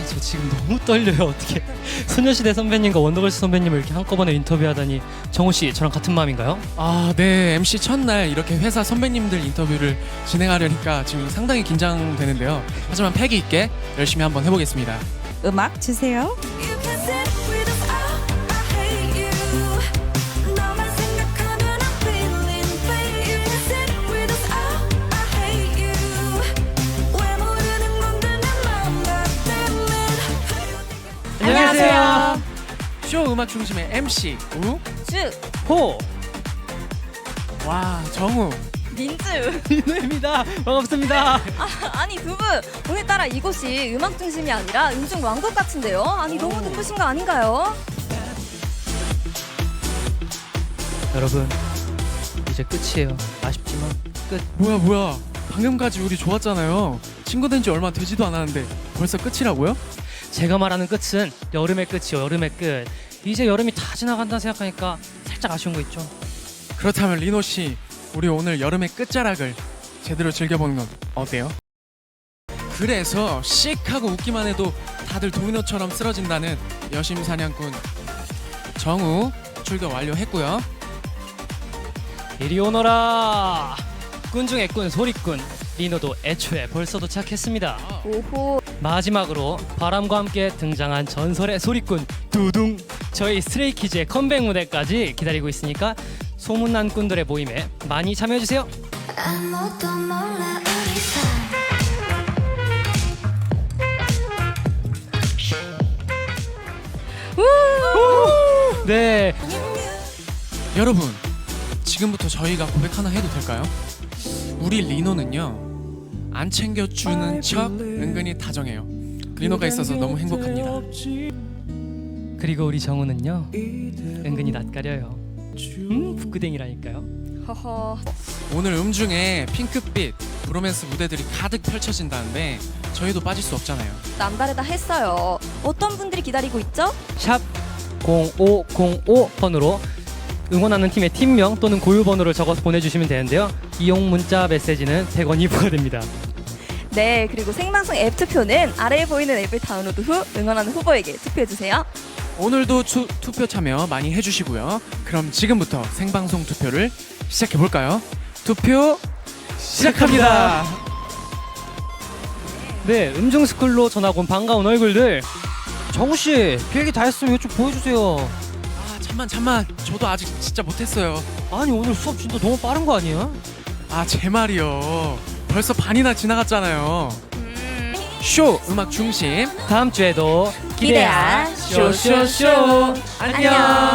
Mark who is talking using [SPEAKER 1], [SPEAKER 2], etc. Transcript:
[SPEAKER 1] 저 지금 너무 떨려요. 어떻게 소녀시대 선배님과 원더걸스 선배님을 이렇게 한꺼번에 인터뷰하다니. 정우 씨, 저랑 같은 마음인가요?
[SPEAKER 2] 아, 네. MC 첫날 이렇게 회사 선배님들 인터뷰를 진행하려니까 지금 상당히 긴장되는데요. 하지만 패기 있게 열심히 한번 해보겠습니다.
[SPEAKER 3] 음악 주세요.
[SPEAKER 1] 안녕하세요.
[SPEAKER 2] 쇼 음악 중심의 MC 우,
[SPEAKER 1] 호
[SPEAKER 2] 와, 정우.
[SPEAKER 4] 민주.
[SPEAKER 1] 민우입니다. 반갑습니다.
[SPEAKER 4] 아니 두 분 오늘따라 이곳이 음악 중심이 아니라 음중 왕국 같은데요. 아니 너무 눈부신 거 아닌가요?
[SPEAKER 1] 여러분, 이제 끝이에요. 아쉽지만 끝.
[SPEAKER 2] 뭐야. 방금까지 우리 좋았잖아요. 친구 된 지 얼마 되지도 않았는데 벌써 끝이라고요?
[SPEAKER 1] 제가 말하는 끝은 여름의 끝이요. 여름의 끝. 이제 여름이 다 지나간다 생각하니까 살짝 아쉬운 거 있죠.
[SPEAKER 2] 그렇다면 리노 씨, 우리 오늘 여름의 끝자락을 제대로 즐겨보는 건 어때요? 그래서 씩하고 웃기만 해도 다들 도미노처럼 쓰러진다는 여심사냥꾼 정우 출격 완료했고요.
[SPEAKER 1] 이리 오너라. 꾼 중에 꾼 소리꾼 리노도 애초에 벌써 도착했습니다.
[SPEAKER 4] 오호.
[SPEAKER 1] 마지막으로 바람과 함께 등장한 전설의 소리꾼 두둥. 저희 스트레이키즈의 컴백 무대까지 기다리고 있으니까 소문난 꾼들의 모임에 많이 참여해주세요.
[SPEAKER 5] 아무도 몰라 우리 사이
[SPEAKER 1] 네,
[SPEAKER 2] 여러분, 지금부터 저희가 고백 하나 해도 될까요? 우리 리노는요, 안 챙겨주는 척 은근히 다정해요. 리노가 있어서 너무 행복합니다.
[SPEAKER 1] 그리고 우리 정우는요, 은근히 낯가려요. 북구댕이라니까요.
[SPEAKER 4] 허허.
[SPEAKER 2] 오늘 음중에 핑크빛 브로맨스 무대들이 가득 펼쳐진다는데 저희도 빠질 수 없잖아요.
[SPEAKER 4] 남다르다 했어요. 어떤 분들이 기다리고 있죠?
[SPEAKER 1] 샵 0505번으로 응원하는 팀의 팀명 또는 고유번호를 적어서 보내주시면 되는데요. 이용 문자 메시지는 100원이 부과됩니다.
[SPEAKER 4] 네, 그리고 생방송 앱 투표는 아래에 보이는 앱을 다운로드 후 응원하는 후보에게 투표해주세요.
[SPEAKER 2] 오늘도 투표 참여 많이 해주시고요. 그럼 지금부터 생방송 투표를 시작해볼까요? 투표 시작합니다.
[SPEAKER 1] 네, 음중스쿨로 전학 온 반가운 얼굴들. 정우씨, 비행기 다 했으면 이거 좀 보여주세요.
[SPEAKER 2] 아, 잠만. 저도 아직 진짜 못했어요.
[SPEAKER 1] 아니, 오늘 수업 진도 너무 빠른 거 아니에요?
[SPEAKER 2] 아, 제 말이요. 벌써 반이나 지나갔잖아요. 쇼 음악 중심.
[SPEAKER 1] 다음 주에도
[SPEAKER 4] 기대야.
[SPEAKER 1] 쇼쇼쇼. 안녕.